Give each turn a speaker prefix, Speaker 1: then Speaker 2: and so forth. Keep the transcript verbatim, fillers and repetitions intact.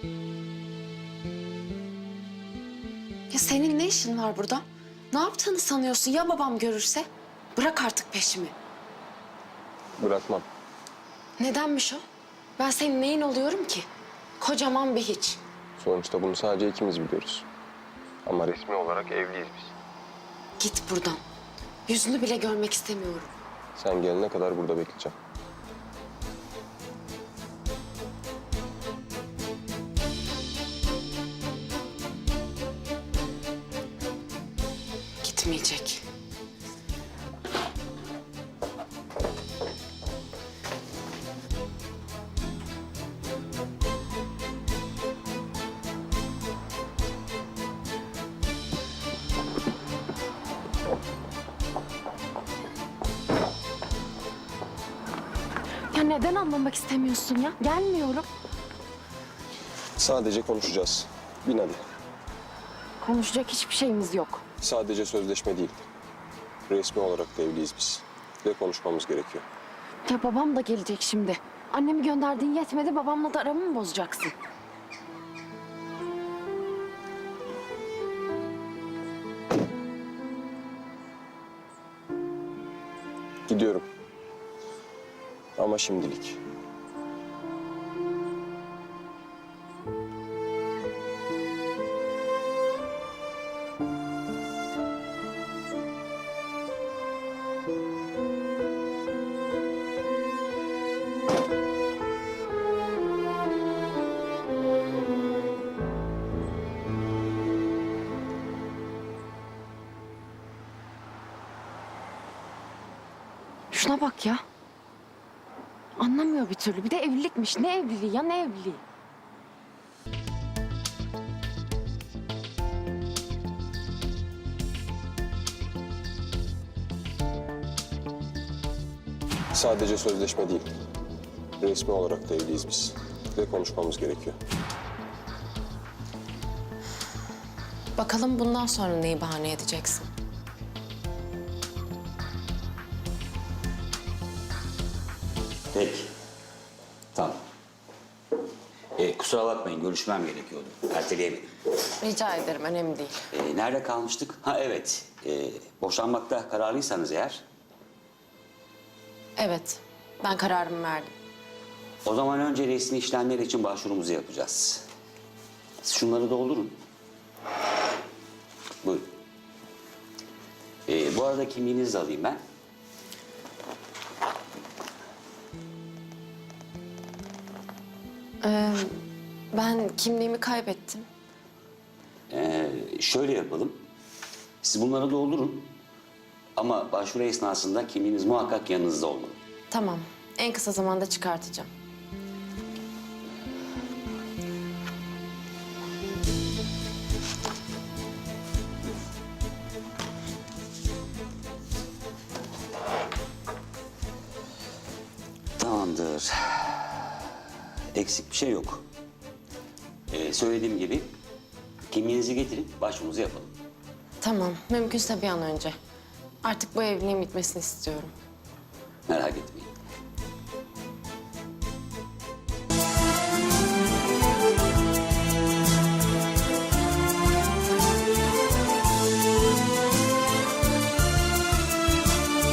Speaker 1: Ya senin ne işin var burada? Ne yaptığını sanıyorsun ya babam görürse? Bırak artık peşimi.
Speaker 2: Bırakmam.
Speaker 1: Nedenmiş o? Ben senin neyin oluyorum ki? Kocaman bir hiç.
Speaker 2: Sonuçta bunu sadece ikimiz biliyoruz. Ama resmi olarak evliyiz biz.
Speaker 1: Git buradan. Yüzünü bile görmek istemiyorum.
Speaker 2: Sen gelene kadar burada bekleyeceğim.
Speaker 1: Gitmeyecek. Ya neden anlamak istemiyorsun ya? Gelmiyorum.
Speaker 2: Sadece konuşacağız. Bin hadi.
Speaker 1: Konuşacak hiçbir şeyimiz yok.
Speaker 2: Sadece sözleşme değil. Resmi olarak da evliyiz biz. Ve konuşmamız gerekiyor.
Speaker 1: Ya babam da gelecek şimdi. Annemi gönderdiğin yetmedi, babamla da aramı mı bozacaksın?
Speaker 2: Gidiyorum. Ama şimdilik.
Speaker 1: Şuna bak ya. Anlamıyor bir türlü. Bir de evlilikmiş. Ne evliliği ya, ne evliliği?
Speaker 2: Sadece sözleşme değil. Resmi olarak da evliyiz biz. Ve konuşmamız gerekiyor.
Speaker 1: Bakalım bundan sonra neyi bahane edeceksin?
Speaker 3: Peki. Tamam. Ee, kusura bakmayın, görüşmem gerekiyordu. Erteleyemedim.
Speaker 1: Rica ederim, önemli değil.
Speaker 3: Ee, nerede kalmıştık? Ha evet. Ee, boşanmakta kararlıysanız eğer,
Speaker 1: Evet, ben kararımı verdim.
Speaker 3: o zaman önce resmi işlemler için başvurumuzu yapacağız. Siz şunları doldurun. Buyurun. Ee, bu arada kimliğinizi de alayım ben.
Speaker 1: Ee, ben kimliğimi kaybettim.
Speaker 3: Ee, şöyle yapalım. Siz bunları doldurun. Ama başvuru esnasında kimliğiniz muhakkak yanınızda olmalı.
Speaker 1: Tamam, en kısa zamanda çıkartacağım.
Speaker 3: Tamamdır. Eksik bir şey yok. Ee, söylediğim gibi kimliğinizi getirin, başvurunuzu yapalım.
Speaker 1: Tamam, mümkünse bir an önce. Artık bu evliliğin bitmesini istiyorum.
Speaker 3: Merak etmeyin.